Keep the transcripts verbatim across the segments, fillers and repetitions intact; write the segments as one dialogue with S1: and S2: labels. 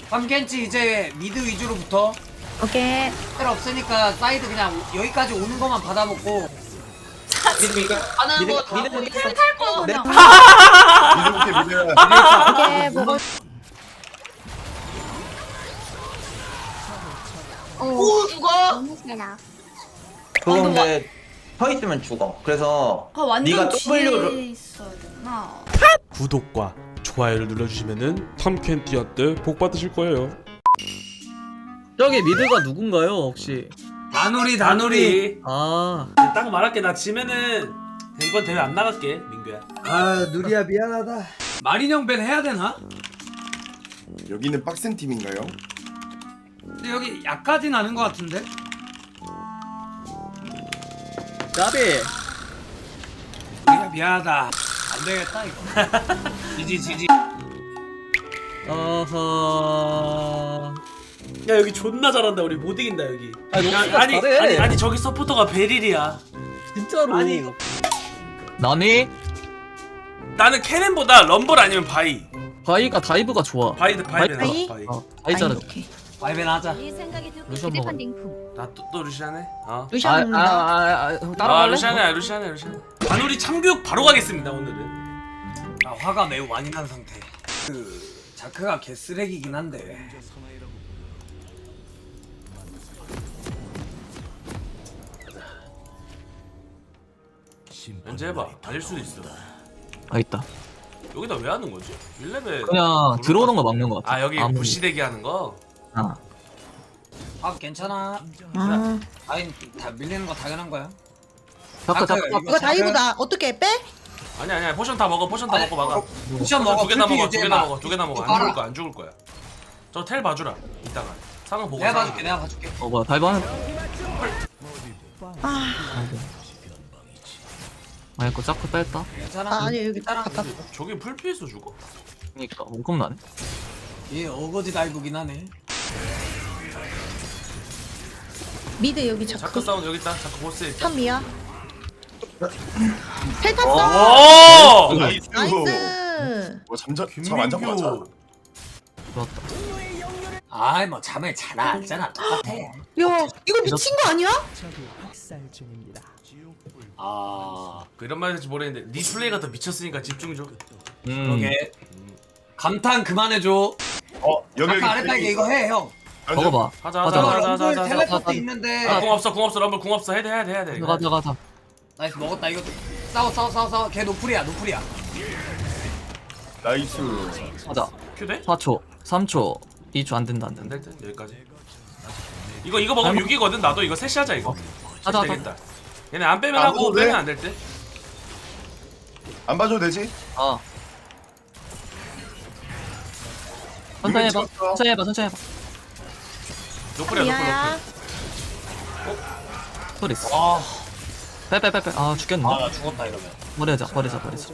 S1: 삼켄치 이제 미드 위주로 붙어.
S2: 오케이.
S1: 텔 없으니까 사이드 그냥 여기까지 오는 것만 받아먹고.
S3: 하는 거다 보니
S2: 탈거 그냥.
S4: 미드부터 미드.
S2: 오케이 먹어.
S3: 오 죽어.
S2: 너무 세다.
S5: 그거 근데 서 있으면 죽어. 그래서
S6: 아 완전
S5: 네가
S6: 뒤에
S5: W를
S6: 있어야 되나?
S7: 구독과 좋아요를 눌러주시면은 탐켄티한테 복 받으실 거예요.
S8: 저기 미드가 누군가요 혹시?
S1: 다누리 다누리.
S8: 아
S9: 딱 말할게. 나 지면은 이번 대회 안 나갈게 민규야.
S1: 아 누리야 미안하다. 마린형 밴 해야 되나?
S4: 여기는 빡센 팀인가요?
S1: 근데 여기 약까진 않은 것 같은데?
S8: 까비.
S1: 누리야 미안하다. 안 되겠다 이거. 지지 지지.
S8: 어허.
S9: 야 여기 존나 잘한다. 우리 못 이긴다 여기.
S8: 아니,
S9: 야,
S8: 너무
S9: 아니
S8: 잘해.
S9: 아니 아니 저기 서포터가 베릴이야.
S8: 진짜로.
S9: 아니,
S8: 나니?
S9: 나는 캐넨보다 럼블 아니면 바이.
S8: 바이가 다이브가 좋아.
S9: 바이 바이 베
S2: 바이?
S9: 바이.
S8: 어, 바이 잘해.
S1: 바이벤 하자.
S8: 루시안 먹어.
S9: 나또또 루시안해. 어.
S2: 루시안 먹는다.
S8: 아아아
S9: 아
S8: 따라갈래?
S9: 루시안해 루시안해 루시안해. 다누리 참교육 바로 가겠습니다 오늘은.
S1: 아 화가 매우 많이 난 상태. 그 자크가 개쓰레기긴 한데.
S9: 언제 해봐. 아닐 수도 있어.
S8: 아 있다.
S9: 여기다 왜 하는 거지? 일 레벨
S8: 그냥 들어오는 거 막는 거 같아.
S9: 아 여기
S8: 아무리.
S9: 부시대기 하는 거?
S8: 아.
S1: 아 괜찮아.
S2: 아.
S1: 아니 다 밀리는 거 당연한 거야.
S8: 자크
S1: 자크,
S8: 자크.
S1: 이거
S2: 이거 다이브다. 어떻게 빼?
S9: 아니 아니야 포션 다 먹어 포션 다
S1: 아니,
S9: 먹고 막아.
S1: 쿠션 먹어.
S9: 두 개나
S1: 풀피
S9: 먹어 두 개나
S1: 유지해봐.
S9: 먹어 두 개나 먹어.
S1: 이거
S9: 안 죽을
S1: 깔아.
S9: 거야 안 죽을 거야. 저 텔 봐주라 이따가 상황 보고.
S1: 내가
S9: 상황
S1: 봐줄게 내가 봐줄게.
S8: 어 뭐야 다이브 하는.
S2: 아.
S8: 아 이거 자크 뺐다.
S1: 괜찮아.
S2: 아 아니 여기
S1: 따라.
S2: 갔다.
S9: 보고. 저기 풀피에서 죽어?
S8: 그니까 원컵 나네.
S1: 얘 어거지 다이브긴 하네.
S2: 미드 여기
S9: 자크
S2: 자크.
S9: 사운드 여기 있다. 자크 보스에 있다.
S2: 탐미야. 텔
S9: 어.
S2: 탔어.
S9: 오!
S4: 나이스.
S2: 나이스.
S4: 뭐 잠자 잠안 자고 가자.
S8: 좋았다.
S1: 아이 뭐 잠을 잘 알잖아. 똑같아.
S2: 야 이거 미친 거 아니야?
S1: 아
S9: 그 이런 말 할지 모르겠는데 네 플레이가 더 미쳤으니까 집중 좀.
S8: 음.
S1: 그러게. 감탄 그만해줘.
S4: 어 여기 여기.
S1: 아까 아랫다게 이거 해 형.
S8: 먹어봐.
S9: 하자
S8: 가자,
S9: 하자
S1: 저
S9: 하자 하자
S1: 럼블
S9: 하자.
S1: 텔레포트
S8: 하자.
S1: 있는데.
S9: 아, 궁 없어 궁 없어 럼블 궁 없어 해야 돼 해야 돼 해야 돼.
S8: 가자 가자.
S1: 나이스 먹었다 이거. 싸워 싸워 싸워 싸워. 걔 노플이야 노플이야.
S4: 나이스.
S8: 가자.
S9: 큐대?
S8: 사 초, 삼 초, 이 초 안 된다 안 된다.
S9: 안될 듯 여기까지. 이거 이거 먹으면 육 이거든. 나도 이거 셋이 하자 이거.
S8: 하자, 하자.
S9: 되겠다. 얘네 안 빼면
S4: 아,
S9: 하고
S4: 그래?
S9: 빼면 안 될 듯.
S4: 안 봐줘도 되지?
S8: 아. 천천히 해봐.
S4: 찍었어.
S8: 천천히 해봐. 천천히 해봐.
S9: 노플이야 노플
S2: 탐미야.
S9: 노플.
S8: 소리 있어.
S1: 아,
S8: 빼빼빼빼. 아 죽겠네.
S1: 아 나 죽었다 이러면.
S8: 버리자 버리자 버리자.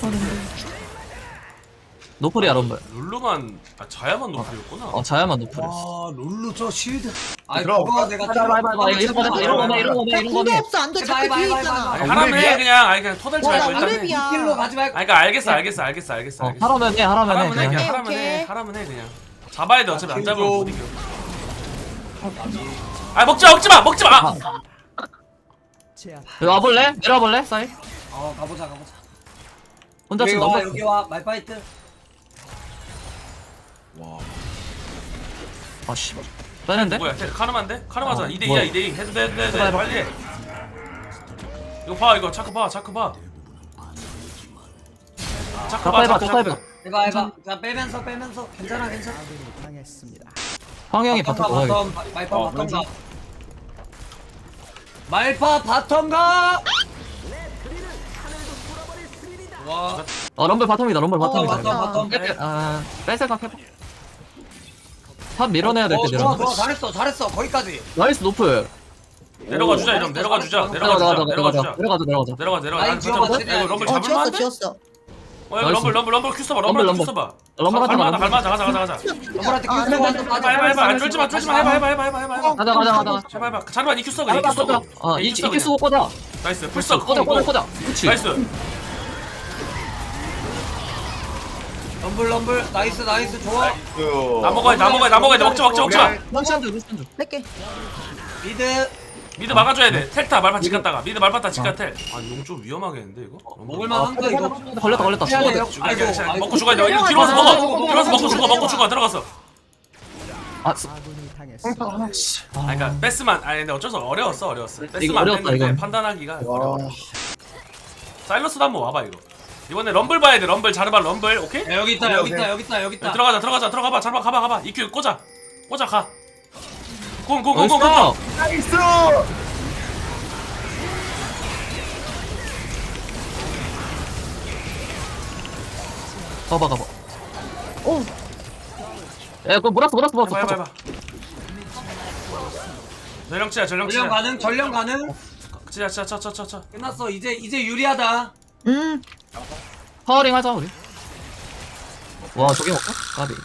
S8: 노플이야 럼블.
S9: 룰루만 아 자야만 노플이었구나.
S8: 어 자야만 노플이었어.
S1: 와 롤루 저 쉴드. 아
S4: 들어가.
S1: 그거 내가.
S8: 해봐 해봐 해봐. 이런 거네 이런 거네 이런 거네
S2: 야
S8: 이런
S2: 궁도
S8: 거네.
S2: 없어 안돼.
S1: 해봐,
S2: 자크
S1: 해봐,
S2: 뒤에
S1: 해봐,
S2: 있잖아.
S9: 아니
S4: 아,
S9: 하라면 해
S4: 오랩이야?
S9: 그냥 아니 그냥 토달
S2: 와,
S9: 잘
S2: 나
S9: 일단 해.
S2: 오랩이야.
S1: 길로 가지 말고.
S9: 아니 그러니까 알겠어 알겠어 알겠어 알겠어
S8: 어
S9: 알겠어.
S8: 하라면 해 하라면 해
S9: 하라면 해
S8: 그냥.
S9: 그냥
S2: 오케이,
S9: 하라면 해
S2: 오케이.
S9: 하라면 해 그냥. 잡아야 돼 어차피 안
S1: 아,
S9: 잡으면 못
S1: 좀.
S9: 이겨. 아 먹지 마 먹지 마 먹지 마.
S8: 아. 여기 와볼래? 내려와볼래? 사이?
S1: 어 가보자 가보자.
S8: 혼자
S1: 여기
S8: 지금
S1: 와
S8: 넘어.
S1: 여기 와 말파이트.
S4: 와.
S8: 아씨. 빼는데?
S9: 뭐야 카르마인데? 카르마잖아.
S8: 어,
S9: 이 대 이야
S8: 뭐야.
S9: 이 대 이. 해도 돼 해도 돼 해도
S8: 해봐,
S9: 돼
S8: 해봐.
S9: 빨리 해. 이거 봐 이거 차크 봐 차크 봐. 차크
S8: 자파
S9: 봐
S8: 해봐
S9: 차크
S8: 자파 해봐.
S1: 해봐 해봐. 자 빼면서 빼면서 괜찮아 괜찮아.
S8: 황영이 바텀
S1: 바텀
S8: 먹어야겠다.
S1: 바텀 말파
S4: 어,
S1: 바텀 가. 말파 바텀 가. 와.
S8: 어 럼블 바텀이다 럼블
S1: 어,
S8: 바텀이다.
S1: 바텀 바텀.
S8: 뺄- 아, 뺄 생각 해봐. 탑 밀어내야 될
S1: 어
S8: 때
S1: 좋아
S8: 내려.
S1: 좋아 잘했어 잘했어 거기까지.
S8: 나이스 노플.
S9: 내려가 주자 이러면 내려가 주자 내려가
S8: 내려가자
S9: 주자 내려가 주자
S8: 내려가자 내려가자.
S9: 내려가 내려가.
S1: 라인
S9: 아니,
S1: 지워봐,
S9: 진짜
S1: 최대한.
S9: 이거 럼블
S2: 어
S9: 잡을만
S2: 지웠어
S9: 한데?
S2: 지웠어.
S9: 어 이거 럼블 럼블 럼블 큐 써봐
S8: 럼블,
S9: 럼블 큐
S8: 럼블.
S9: 써봐.
S8: 럼블 하자,
S9: 갈만하다
S8: 럼블.
S9: 갈만하자 가자 가자 가자.
S1: 럼블한테
S2: 아,
S1: 큐 쓰고 완전
S9: 해봐
S1: 빠져.
S9: 해봐 해봐 안 쫄지마 쫄지마 해봐 해봐 해봐 해봐 해봐 해봐.
S8: 가자 가자 가자.
S9: 해봐 해봐. 자르반 이큐 써 그냥 이큐 써.
S8: 어 이- 이끼 쓰고 꽂아.
S9: 나이스 풀써
S8: 꽂아 꽂아 꽂아. 그렇지.
S9: 나이스.
S1: 럼블 럼블 럼블 나이스 나이스 좋아.
S4: 그...
S9: 나 먹어야 돼, 나 먹어야 돼, 나 먹어야 돼. 먹자, 먹자, 먹자.
S8: 루시안드 루시안드.
S2: 뺄게.
S1: 미드
S9: 미드 막아줘야 돼. 텔타 말파 집 갔다가 미드 말파타 집 갔다. 아, 용 좀 위험하겠는데 이거?
S1: 먹을만 한거 이거.
S8: 걸렸다 걸렸다.
S1: 해야 돼요.
S9: 죽어,
S1: 아이고,
S9: 괜찮아.
S1: 아이고.
S9: 먹고 죽어야 돼. 이거 뒤로 와서 먹어. 뒤로 와서 먹고 죽어, 먹고 죽어. 들어갔어.
S8: 아 스-
S9: 아, 그러니까 패스만. 아니 근데 어쩔 수 없어. 어려웠어, 어려웠어. 패스만
S8: 이거
S9: 안
S8: 어려웠다,
S9: 됐는데
S8: 이건.
S9: 판단하기가
S4: 와...
S9: 어려워. 사일러스도 한번 와봐 이거. 이번에 럼블 봐야 돼. 럼블 자르바 럼블. 오케이?
S1: 야, 여기 있다 여기 있다 여기 있다 여기
S9: 야,
S1: 있다.
S9: 들어가자, 들어가자, 들어가봐. 자르바 가봐, 가봐. 이큐 꽂아, 꽂아 가. 공, 공, 공, 공,
S8: 나이스.
S9: 공.
S4: 나이스!
S8: 가봐 가봐.
S2: 오.
S8: 야 그거 몰았어 몰았어 몰았어.
S9: 해봐, 해봐, 해봐. 전령치야, 전령치야.
S1: 전령 가능 전령 가능.
S9: 치자, 치자, 쳐, 쳐, 쳐, 쳐.
S1: 끝났어 이제 이제 유리하다.
S2: 음.
S8: 파워링 하자 우리. 와 저게 먹까? 까비.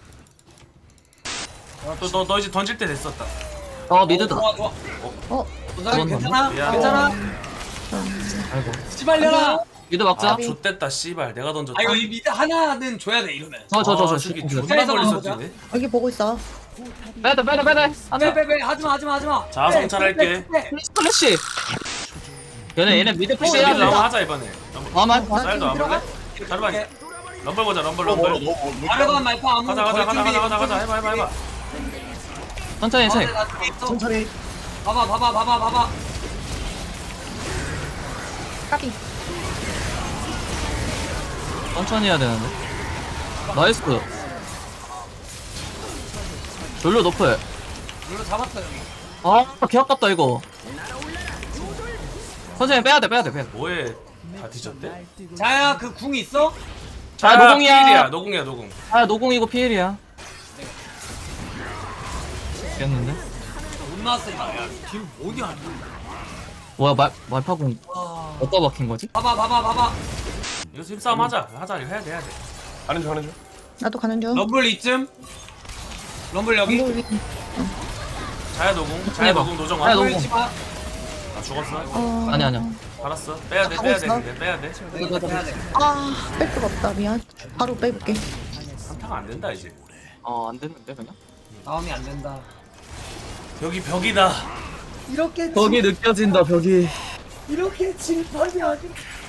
S9: 또 너 너 이제 던질 때 됐었다.
S8: 어 미드다.
S1: 좋아 좋아.
S2: 어.
S1: 도사님 괜찮아?
S9: 미안.
S1: 괜찮아?
S8: 아이고.
S1: 씨발려라.
S8: 미드 막자.
S9: 아, 좆됐다, 씨발. 내가 던졌다.
S1: 아 이거 이 미드 하나는 줘야 돼 이러면.
S8: 저저 저 저.
S9: 아, 저기
S8: 빼다
S9: 존나
S1: 빼서
S9: 멀리서
S1: 가보자.
S9: 뛰네.
S2: 여기 보고 있어.
S8: 빼다 빼다. 안돼.
S1: 빼빼빼 하지마 하지마 하지마.
S9: 자, 성찰할게.
S8: 플래시. 얘네 얘네 미드 푸시
S9: 미드
S8: 해야 돼.
S9: 나와 하자 이번에.
S8: 아만.
S9: 쌀도 안 볼래? 자르바. 럼블 보자, 럼블,
S4: 너무 멀어
S9: 럼블.
S4: 너무 멀어.
S1: 아르반 말파 아무
S9: 가자, 가자, 가자, 가자, 가자, 가자. 해봐, 해봐, 해봐.
S8: 천천히 천천히.
S4: 천천히.
S1: 봐봐 봐봐 봐봐 봐봐.
S2: 까비.
S8: 천천히 해야 되는데. 나이스. 졸로 높을.
S1: 물로 잡았어 여기.
S8: 아, 개 아깝다 이거. 천천히 빼야 돼, 빼야 돼, 빼야 돼.
S9: 뭐해? 다 뒤졌대?
S1: 자야 그 궁 있어?
S8: 자, 노공이야.
S9: 필이야, 노공이야, 노공.
S8: 아, 노공이고 피일이야. 깼는데?
S1: 못 나왔어 이거. 야팀 어디야?
S8: 뭐야, 말 말파공
S1: 와.
S8: 어디다 박힌 거지?
S1: 봐봐 봐봐 봐봐.
S9: 이거 힘싸움 하자. 하자, 이거 해야 돼, 해야 돼.
S4: 하는 중 하는 중.
S2: 나도 가는 중.
S1: 럼블 이쯤. 럼블 여기.
S2: 럼블 위.
S9: 자야 노공, 자야
S8: 해봐.
S9: 노공 노정아.
S8: 자야
S9: 나
S8: 노공.
S1: 치마.
S9: 죽었어.
S2: 어.
S8: 아니 아니야.
S9: 알았어. 빼야 돼,
S2: 하고
S9: 빼야 돼,
S2: 있어?
S9: 근데 빼야 돼.
S1: 이거 해야 돼.
S2: 아, 뺄 수가 없다. 미안. 바로 빼볼게.
S9: 한타가 안 된다 이제.
S8: 어, 안 됐는데 그냥.
S1: 다음이 안 된다.
S9: 여기 벽이다.
S1: 이렇게
S8: 벽이 느껴진다, 벽이.
S1: 이렇게 진판이 아니.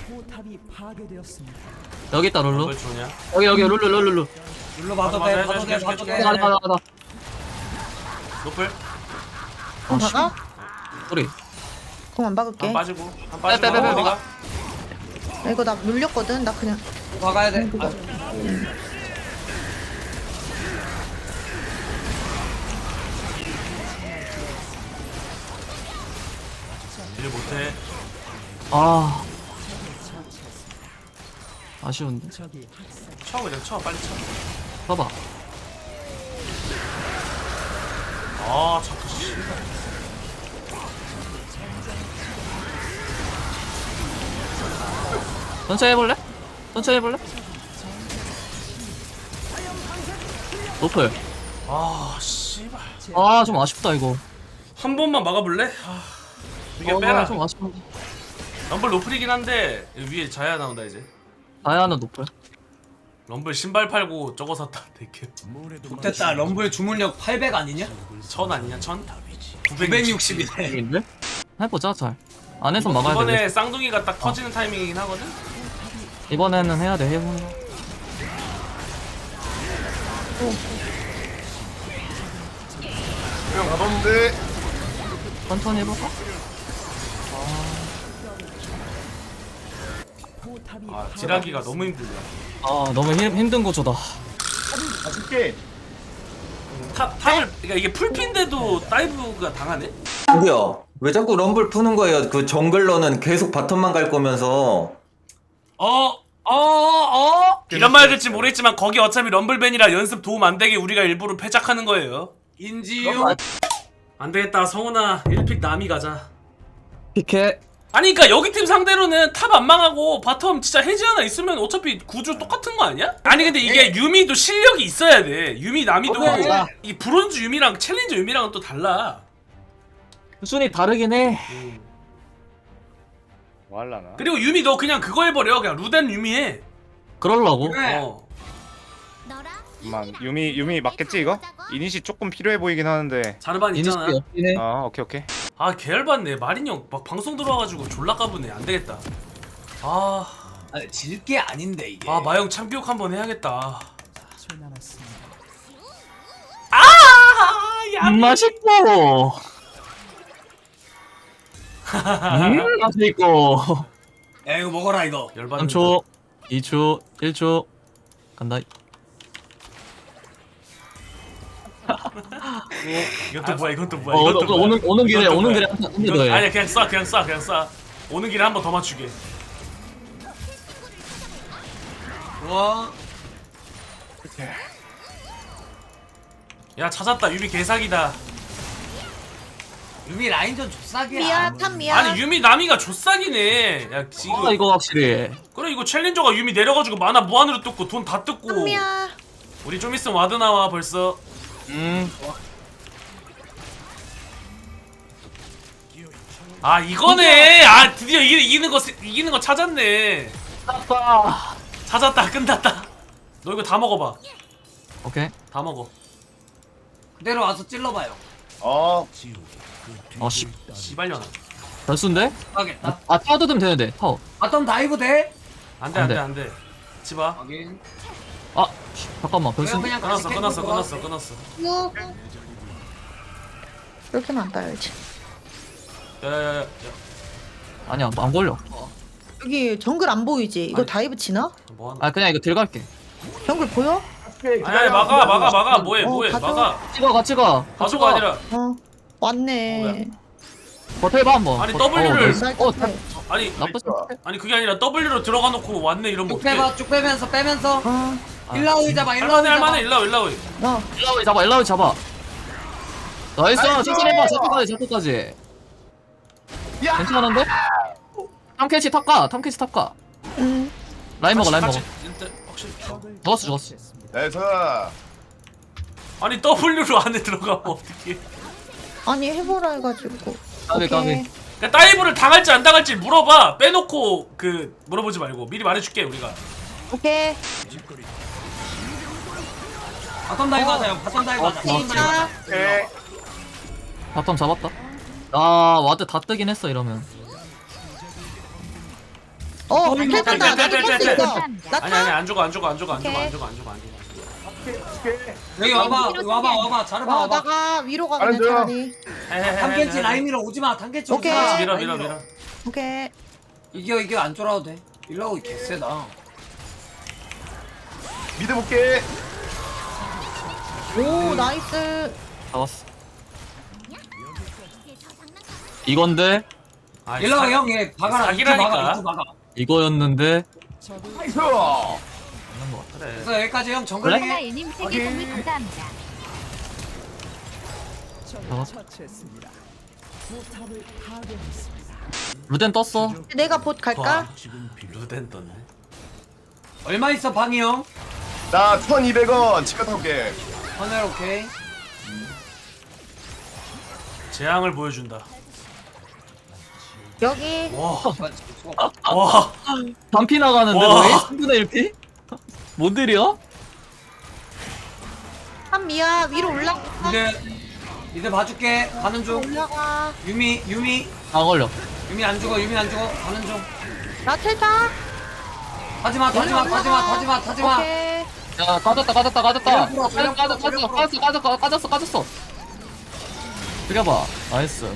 S8: 여기 있다, 룰루.
S9: 뭘 주냐?
S8: 여기 여기 룰루 룰루 룰루.
S1: 눌러 봐도
S9: 맞아,
S1: 돼
S9: 맞아,
S1: 봐도 돼
S9: 해줄게,
S1: 봐도
S9: 해줄게,
S1: 돼.
S8: 가자 가자 가자.
S9: 노플.
S2: 공 박아?
S8: 우리.
S2: 공 안
S9: 한
S2: 박을게.
S9: 빠지고, 한
S8: 빼, 빼,
S9: 빠지고.
S8: 빼, 빼.
S9: 어디가?
S2: 야, 이거 나 물렸거든. 나 그냥.
S1: 박아야 돼.
S2: 그거.
S1: 아,
S9: 일 못해.
S8: 아. 아쉬운데.
S9: 쳐 그냥 쳐, 빨리 쳐.
S8: 봐봐.
S9: 아, 자꾸 씨.
S8: 천천히 해볼래? 천천히 해볼래? 노플.
S9: 아, 씨발.
S8: 아, 좀 아쉽다 이거.
S9: 한 번만 막아볼래? 아, 이게
S8: 어,
S9: 빼라.
S8: 좀 아쉽은데.
S9: 럼블 노플이긴 한데 위에 자야 나온다 이제.
S8: 다이아는 노플.
S9: 럼블 신발 팔고 저거 샀다. 되게.
S1: 됐다. 럼블 주문력 팔백 아니냐?
S9: 천 아니냐? 천?
S1: 구백육십이네.
S8: 인데? 해보자 잘. 안에서 막아야
S9: 이번에
S8: 돼.
S9: 쌍둥이가 딱 터지는 타이밍이긴 하거든.
S8: 이번에는 해야 돼. 해보.
S4: 그냥 가봤는데.
S8: 천천히 해볼까?
S9: 아, 딜하기가 너무 힘들다.
S8: 아, 너무 힘, 힘든 구조다.
S4: 아쉽게.
S9: 탑 탑을 그러니까 이게 풀핀데도 다이브가 당하네.
S5: 뭐야? 왜 자꾸 럼블 푸는 거예요? 그 정글러는 계속 바텀만 갈 거면서.
S1: 어, 어, 어.
S9: 이런 말 될지 모르겠지만 거기 어차피 럼블밴이라 연습 도움 안 되게 우리가 일부러 패작하는 거예요.
S1: 인지유.
S9: 안 되겠다, 성훈아. 일 픽 남이 가자.
S8: 피케.
S9: 아니 그니까 여기 팀 상대로는 탑 안 망하고 바텀 진짜 해지 하나 있으면 어차피 구조 똑같은 거 아니야? 아니 근데 이게 유미도 실력이 있어야 돼. 유미 나미도
S1: 어,
S9: 이 브론즈 유미랑 챌린저 유미랑은 또 달라.
S8: 순위 다르긴 해.
S6: 뭐 할라나?
S9: 그리고 유미 너 그냥 그거 해버려. 그냥 루덴 유미 해.
S8: 그럴라고.
S1: 그래.
S9: 어.
S6: 잠만 유미 유미 맞겠지 이거? 이니시 조금 필요해 보이긴 하는데.
S9: 자르반
S8: 이니시
S9: 있잖아.
S8: 없긴 해.
S6: 아 오케이 오케이.
S9: 아 계열받네. 마린 형막 방송 들어와가지고 졸라 까부네. 안 되겠다. 아,
S1: 아니 질게 아닌데 이게.
S9: 아 마영 참교육 한번 해야겠다. 아, 야,
S8: 음, 맛있고. 음, 맛있고.
S1: 야 이거 먹어라 이거.
S9: 열받는.
S8: 삼 초, 이 초, 일 초. 간다.
S9: 이건 또 뭐야? 이건 또 뭐야?
S8: 어,
S9: 이건 또 뭐야?
S8: 오는 오는 길에
S9: 이건 또
S8: 오는
S9: 뭐야?
S8: 길에 한 번
S9: 이건-
S8: 더 해.
S9: 아니야 그냥 쏴 그냥 쏴 그냥 쏴. 오는 길에 한 번 더 맞추게.
S1: 와.
S9: 야 찾았다. 유미 개사기다.
S1: 유미 라인전 족사기야.
S2: 미야 탑 미야.
S9: 아니 유미 나미가 조싹이네. 야 지금
S8: 아, 이거 확실히.
S9: 그래 이거 챌린저가 유미 내려가지고 만화 무한으로 뜯고 돈 다 뜯고.
S2: 탑 미야.
S9: 우리 좀 있으면 와드 나와 벌써.
S8: 음.
S9: 아 이거네. 아 드디어 이, 이기는 거 이기는 거 찾았네.
S8: 아빠.
S9: 찾았다. 끝났다. 너 이거 다 먹어봐.
S8: 오케이.
S9: 다 먹어.
S1: 그대로 와서 찔러봐요.
S4: 어
S8: 어 씨.
S9: 씨발려나.
S8: 별수인데?
S1: 하겠다.
S8: 아 타워 뜯으면 되는데 타워.
S1: 바텀 다이브 돼?
S9: 안돼
S8: 안
S9: 안돼
S8: 돼.
S9: 안돼. 치봐.
S1: 확인.
S8: 아 씨, 잠깐만
S1: 그냥
S8: 별수인데?
S1: 그냥
S9: 끊었어
S1: 같이
S9: 끊었어
S1: 캔
S9: 끊었어 끊었어.
S2: 유. 이렇게는 안 따야지.
S9: 야야야야.
S8: 아니야 안 걸려.
S2: 여기 정글 안 보이지? 이거
S9: 아니.
S2: 다이브 치나?
S9: 뭐하는?
S8: 아 그냥 이거 들어갈게.
S2: 정글 보여?
S9: 아니 아니 막아 막아 막아 뭐해
S2: 어,
S9: 뭐해
S2: 가져.
S9: 막아.
S8: 찍어 같이 가. 같이
S9: 가져가
S8: 가.
S9: 아니라.
S2: 어 왔네.
S8: 버텨봐 한번.
S9: 아니,
S8: 버-
S9: W를-
S8: 어, 나이스. 어
S2: 나
S9: 아니
S8: 나쁘지 않대.
S9: 아니 그게 아니라 W로 들어가 놓고 왔네 이러면
S1: 쭉
S9: 어떡해.
S1: 빼봐 쭉 빼면서 빼면서.
S2: 어,
S1: 일라우이 잡아 일라우이
S9: 할만해
S1: 잡아.
S9: 할만해 일라오 일라오.
S2: 나
S8: 일라우이 잡아 일라우이 잡아. 나이스
S4: 나이스!
S8: 천천히 해봐 잡고까지 잡고까지.
S4: 야!
S8: 괜찮은데? 탐캐치 탑가 탐캐치 탑가.
S2: 음.
S8: 라인 먹어 라인 먹어.
S9: 같이, 진짜 확실히.
S8: 죽었어 죽었어.
S4: 나이스
S9: 아니 W로 안에 들어가면 어떡해.
S2: 아니 해보라 해가지고.
S8: 까비 까비.
S2: 오케이.
S9: 그러니까 다이브를 당할지 안 당할지 물어봐. 빼놓고 그 물어보지 말고 미리 말해줄게 우리가.
S2: 오케이.
S1: 바텀 다이브 하자 형. 바텀 다이브 하자. 바텀 다이브 하자.
S4: 오케이
S8: 바텀 잡았다. 아 와드 다 뜨긴 했어 이러면.
S2: 어, 텔 탔다.
S9: 텔,
S2: 나도
S9: 텔,
S2: 탈수
S9: 텔,
S2: 있어.
S9: 아니
S2: 나
S9: 아니
S2: 타.
S9: 안 죽어 안 죽어 안 죽어 안 죽어 안
S2: 오케이.
S9: 죽어 안 죽어 안 죽어.
S1: 여기 와봐 여기 와봐 와봐 자르봐
S2: 어,
S1: 와봐.
S2: 나가 위로 가
S4: 다른
S2: 그냥
S4: 중.
S2: 차라리.
S1: 탐켄치 라인 밀어 오지마. 탐켄치
S2: 오케이.
S1: 오지마.
S9: 밀어
S1: 라인
S9: 밀어 밀어.
S2: 오케이.
S1: 이겨 이겨 안 쫄아도 돼. 일라우이 개쎄다.
S4: 미드 볼게
S2: 오, 나이스.
S8: 잡았어. 이건데
S9: 아,
S1: 일라우이 형얘 박아라. 이투
S9: 사기라니까.
S1: 박아 이투 박아.
S8: 이거였는데.
S4: 나이스
S9: 그래.
S1: 그래서 여기까지 형 정글링 해.
S10: 하나님 세계 선물 감사합니다.
S8: 잡았어. 루덴 떴어.
S2: 내가 봇 갈까?
S9: 와, 루덴 떴네.
S1: 얼마 있어 방이 형?
S4: 나 천이백 원 치과 타올게
S1: 하늘 오케이.
S9: 재앙을 보여준다.
S2: 여기.
S9: 와. 와.
S8: 반피 나가는데
S9: 와.
S8: 너희? 삼분의 일 피? 뭔 일이야?
S2: 한 미야 위로 올라가.
S1: 미드 미드 봐줄게. 가는 중.
S2: 올라가.
S1: 유미 유미
S8: 안 걸려.
S1: 유미 안 죽어 유미 안 죽어. 가는 중.
S2: 나 텔타.
S1: 타지마 타지마 타지마 타지마 타지마.
S2: 오케이.
S8: 야 까졌다 까졌다 까졌다.
S1: 전력 풀어, 전력
S8: 까졌어
S1: 풀어,
S8: 까졌어
S1: 전력
S8: 까졌어 까졌어 까졌어 까졌어. 죽여봐. 나이스.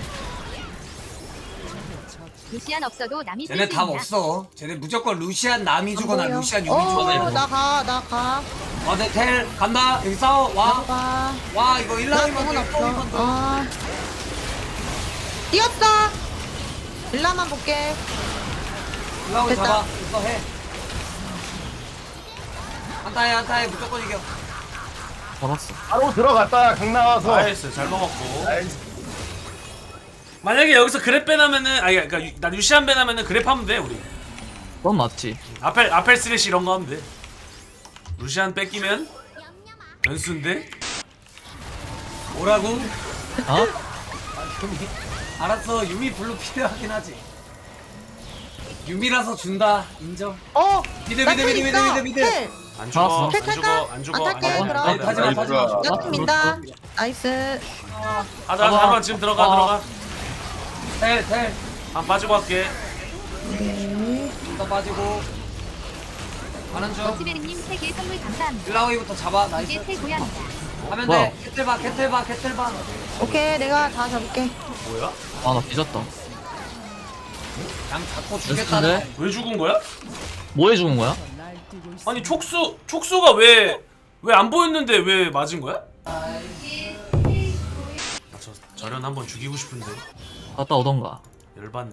S10: 루시안 없어도 남이 쓸
S1: 쟤네
S10: 수
S1: 답
S10: 있다.
S1: 없어. 쟤네 무조건 루시안 남이
S2: 안
S1: 주거나
S2: 보여.
S1: 루시안 유미
S2: 어,
S1: 주거나.
S2: 나 가, 나 가.
S1: 어네 텔 간다. 여기 싸워.
S2: 나
S1: 와.
S2: 가.
S1: 와 이거
S2: 나
S1: 일라우이
S2: 공은
S1: 먼저
S2: 없어.
S1: 일라우이 먼저.
S2: 아. 뛰었어. 일라만 볼게.
S1: 일라우이
S2: 됐다.
S1: 잡아. 이거 해. 한타해 한타해 무조건 이겨.
S8: 잡았어.
S4: 바로 들어갔다 강 나와서
S9: 나이스 잘 먹었고.
S4: 나이스
S9: 만약에 여기서 그랩 빼나면은 아니 그러니까 유- 나 루시안 빼나면은 그랩 하면 돼 우리.
S8: 그건 맞지.
S9: 아펠 아펠 스레시 이런 거 하면 돼. 루시안 뺏기면 변수인데.
S1: 뭐라고?
S8: 어?
S1: 알았어 유미 블루 필요하긴 하지. 유미라서 준다 인정.
S2: 어.
S1: 미드
S2: 나
S1: 미드
S2: 텔
S1: 미드 미드
S2: 있어.
S1: 미드 미드.
S2: 텔.
S9: 안 죽어
S8: 알았어.
S9: 안 죽어 안 죽어
S2: 안 탈게,
S9: 안 죽어.
S2: 그럼.
S9: 안 돼, 안 돼, 안 돼.
S1: 하지마 하지마.
S2: 나 민다. 나이스.
S9: 하자 하자 한번 지금 들어가
S8: 아.
S9: 들어가
S1: 텔 텔.
S9: 한 빠지고 할게
S2: 네.
S1: 더 빠지고. 가는 중.
S10: 버티베리님 세 개 선물 감사합니다.
S1: 일라오이부터 잡아. 나이스.
S10: 이게 최고야입니다.
S1: 하면
S8: 뭐야?
S1: 돼. 캐틀 봐 캐틀 봐 캐틀 봐.
S2: 오케이, 내가 다 잡을게.
S9: 뭐야?
S8: 아나 뒤졌다.
S1: 그냥 잡고 죽겠다는.
S8: 연습인데?
S9: 왜 죽은 거야?
S8: 뭐해 죽은 거야?
S9: 아니 촉수 촉수가 왜 왜 안 보였는데 왜 맞은 거야? 아, 저 저런 한번 죽이고 싶은데
S8: 갔다 오던가.
S9: 열받네.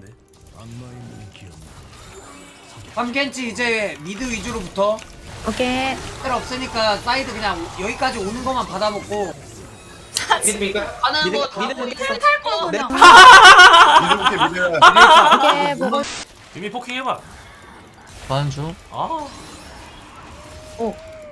S1: 삼겐치 이제 미드 위주로 붙어.
S2: 오케이.
S1: 텔 없으니까 사이드 그냥 여기까지 오는 것만 받아먹고.
S3: 가는 거 다. 탈 거.
S4: 미드 볼게 미드.
S2: 오케이, 보고.
S9: 유미 포킹 해봐.
S8: 가는 중.
S9: 아.
S2: 오.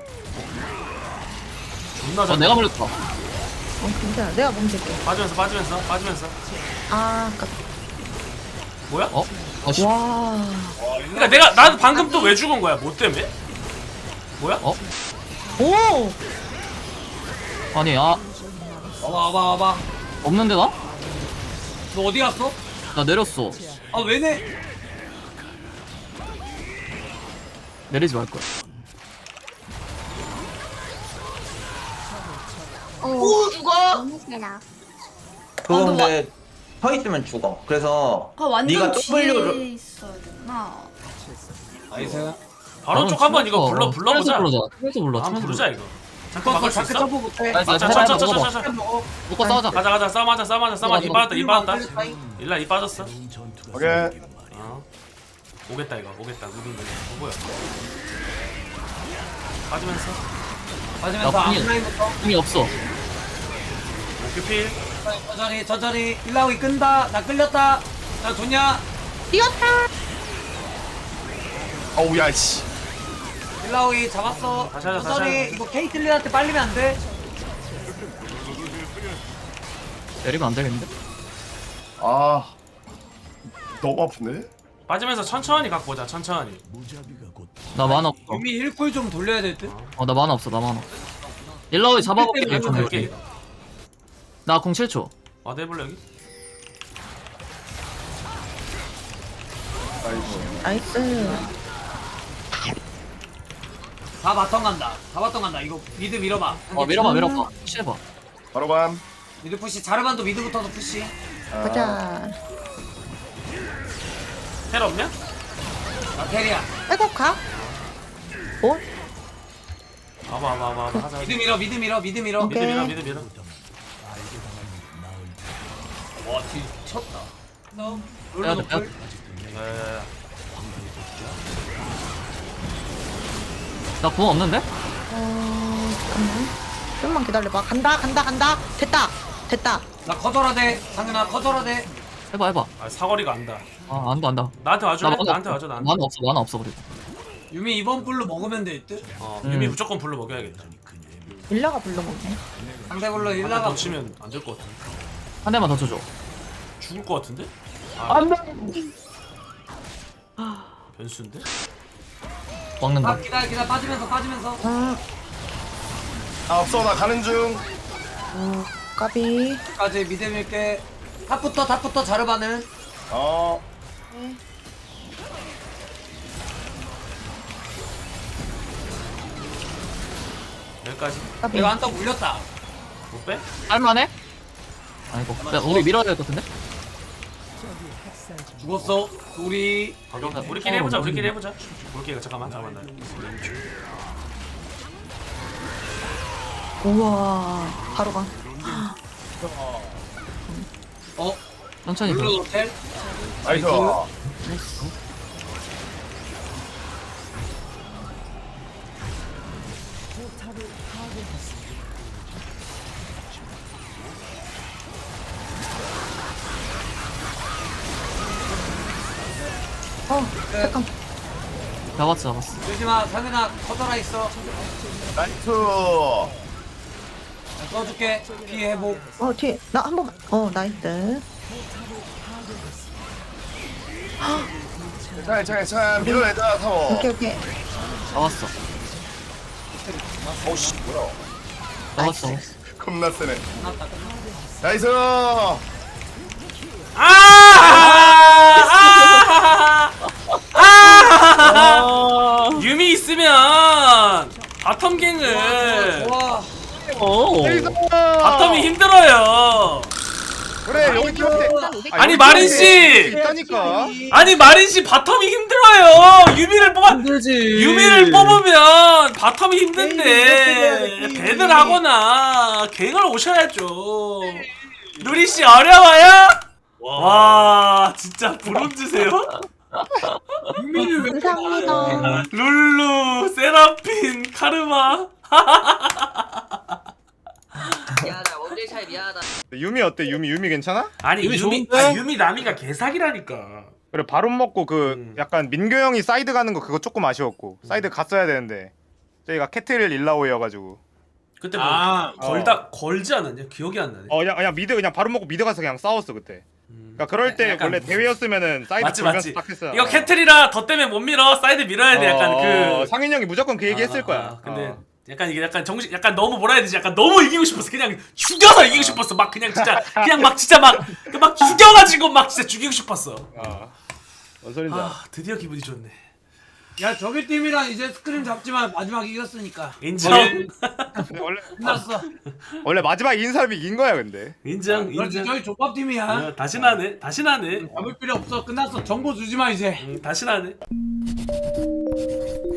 S9: 존나
S8: 어
S9: 잘.
S8: 내가 물렸다.
S2: 어, 괜찮아. 내가 멈출게.
S9: 빠지면서 빠지면서 빠지면서.
S2: 아, 까
S9: 뭐야?
S8: 어? 아씨.
S2: 와.
S9: 그러니까 내가 나도 방금 또 왜 죽은 거야? 뭐 때문에? 뭐야?
S8: 어?
S2: 오!
S8: 아니 아
S1: 와봐 와봐 와봐.
S8: 없는데 나?
S1: 너 어디 갔어?
S8: 나 내렸어.
S1: 아 왜네?
S8: 내리지 말 거야.
S3: 오 죽어.
S5: 그거 근데 서 있으면 죽어. 그래서 네가 W를
S1: 나이스.
S9: 바로 쪽 한번 이거 불러 불러보자.
S8: 불러자. 그래서 불러.
S9: 한번 부르자 이거. 잠깐
S1: 또
S9: 막을 수
S1: 자크
S9: 있어?
S1: 점프 못해.
S8: 나이스.
S9: 자, 자,
S8: 해봐,
S9: 자, 자,
S8: 먹어봐.
S9: 자, 자, 자.
S8: 먹고 싸우자.
S9: 가자 가자 싸움하자 싸움하자 싸움하자. 이 빠졌다 이 빠졌다. 일라 이 빠졌어.
S4: 오케이.
S9: 어. 오겠다 이거 오겠다 누군데 어 뭐야 빠지면서
S1: 맞으면서
S8: 나 분이-
S1: 앞라인부터.
S8: 힘이 없어.
S9: 오큐필
S1: 천천히 천천히. 일라오이 끈다. 나 끌렸다. 나 좋냐?
S2: 뛰었다!
S4: 어우 야 씨.
S1: 일라오이 잡았어.
S9: 다시 하자, 다시
S1: 천천히.
S9: 하자.
S1: 이거 케이틀린한테 빨리면 안 돼.
S8: 내리면 안 되겠는데?
S4: 아 너무 아픈데?
S9: 빠지면서 천천히 갖고 오자 천천히.
S8: 나 만화 없어.
S1: 유미 일 쿨 좀 돌려야 될 듯.
S8: 어 나 만화 없어. 나 만화. 일러이 잡아볼게.
S1: 일 대 일
S9: 될게 이거.
S8: 나공 칠 초.
S9: 와드 해볼래 여기?
S2: 나이스.
S1: 다 바텀 간다. 다 바텀 간다. 이거 미드 밀어봐.
S8: 어 밀어봐 밀어봐. 푸시해봐.
S4: 바로 감.
S1: 미드 푸시. 자르반도 미드부터도 푸시.
S2: 가자.
S9: 텔 없냐?
S1: 나 테리야.
S2: 백업 가? 오?
S9: 와봐 와봐 와봐 와봐 하자
S1: 미드
S9: 하자.
S1: 밀어. 미드 밀어. 미드 밀어.
S9: 미드
S2: 오케이.
S9: 밀어 미드 밀어.
S1: 와, 뒤 쳤다. 너
S8: 빼야 돼,
S1: 롤러
S8: 빼야
S1: 노플.
S8: 돼.
S9: 야야야.
S8: 나공 없는데?
S2: 어, 잠깐만. 좀만 기다려봐. 간다, 간다, 간다. 됐다. 됐다.
S1: 나 커져라 돼. 상윤아 커져라 돼.
S8: 해봐 해봐.
S9: 아 사거리가 안다.
S8: 아 안다 안다.
S9: 나한테 와줘.
S8: 나 만화
S9: 나한테
S8: 없어.
S9: 와줘 나한테.
S8: 만화 없어 만화 없어 그리고.
S1: 유미 이번 불로 먹으면 될 듯.
S9: 어
S8: 음.
S9: 유미 무조건 불러 먹여야겠다.
S2: 일라가 불러먹네.
S1: 상대 불로
S9: 하나
S1: 일라가
S9: 더 치면 안 될 것 같은데.
S8: 한 대만 더 쳐줘.
S9: 죽을 것 같은데? 아, 변수인데?
S8: 먹는다.
S1: 아, 기다려 기다려 빠지면서 빠지면서.
S2: 아,
S4: 아 없어 나 가는 중.
S2: 어, 까비.
S1: 까지 미드 밀게. 탑부터 탑부터 자르반은.
S4: 어.
S9: 여기까지.
S2: 까비.
S1: 내가 한턱 물렸다.
S9: 못 빼?
S8: 할만해? 아이고. 야, 우리 밀어야 될 것 같은데?
S1: 죽었어. 우리
S9: 아, 그럼 우리끼리 해보자 우리끼리 해보자. 우리끼리 잠깐만 잠깐만 나.
S2: 우와. 바로 가.
S1: 어
S8: 천천히
S1: 룰루
S8: 불러.
S1: 호텔.
S4: 나이스.
S2: 나이스. 어, 잠깐.
S8: 잡았어 잡았어.
S1: 조심아 상윤아 커져라 있어.
S4: 나이스.
S1: 나 써줄게. 피해 회복.
S2: 어, 뒤에. 나 한 번만. 어, 나이스.
S4: 자, 자, 자, 밀어내자 타워.
S2: 오케이, 오케이.
S8: 잡았어.
S4: 어씨 뭐야?
S8: 나왔어.
S4: 겁나 세네. 나이스.
S9: 아! 아! 아! 유미 있으면 바텀 갱을
S8: 오.
S9: 바텀이 힘들어요.
S6: 그래 여기 팀한테
S9: 아니 마린 씨,
S6: 있다니까.
S9: 아니 마린 씨 바텀이 힘들어요. 유미를 뽑아
S8: 힘들지.
S9: 유미를 뽑으면 바텀이 힘든데 배들 하거나 갱을 오셔야죠. 누리 씨 어려워요? 와 진짜 브론즈세요?
S2: 감사합니다.
S9: 룰루, 세라핀, 카르마.
S3: 미안하다 원딜 차이 미안하다.
S6: 유미 어때? 유미 유미 괜찮아?
S9: 아니
S8: 유미
S9: 유미
S8: 좋은데?
S9: 아니, 유미 나미가 개사기라니까.
S6: 그래 바론 먹고 그
S9: 음.
S6: 약간 민규 형이 사이드 가는 거 그거 조금 아쉬웠고 사이드 갔어야 되는데 저희가 캐틀 일라오여가지고
S9: 그때 뭐
S1: 아,
S9: 걸다 걸지 않았냐? 기억이 안 나네.
S6: 어 그냥 그냥 미드 그냥 바론 먹고 미드 가서 그냥 싸웠어 그때.
S9: 음.
S6: 그러니까 그럴 때
S9: 약간
S6: 원래 대회였으면은 사이드
S9: 맞지
S6: 돌면서
S9: 맞지.
S6: 딱 했어.
S9: 이거 캐틀이라 더 때문에 못 밀어. 사이드 밀어야 돼. 약간
S6: 어,
S9: 그.
S6: 상인 형이 무조건 그 얘기 했을
S9: 아,
S6: 거야.
S9: 아, 근데
S6: 어.
S9: 약간 이게 약간 정신 약간 너무 뭐라 해야 되지? 약간 너무 이기고 싶었어. 그냥 죽여서 이기고 싶었어. 막 그냥 진짜 그냥 막 진짜 막 막 죽여가지고 막 진짜 죽이고 싶었어.
S6: 어. 뭔 소린지 알아.
S9: 아 드디어 기분이 좋네.
S1: 야 저기 팀이랑 이제 스크림 잡지만 마지막 이겼으니까
S9: 인정.
S6: 근데 원래
S1: 끝났어.
S6: 원래 마지막 이긴 사람이 이긴 거야 근데.
S9: 인정.
S1: 그렇지
S9: 인정.
S1: 저희 족밥 팀이야.
S9: 어, 다시 나네. 다시 나네.
S1: 잡을 필요 없어. 끝났어. 정보 주지 마 이제.
S9: 응, 다시 나네.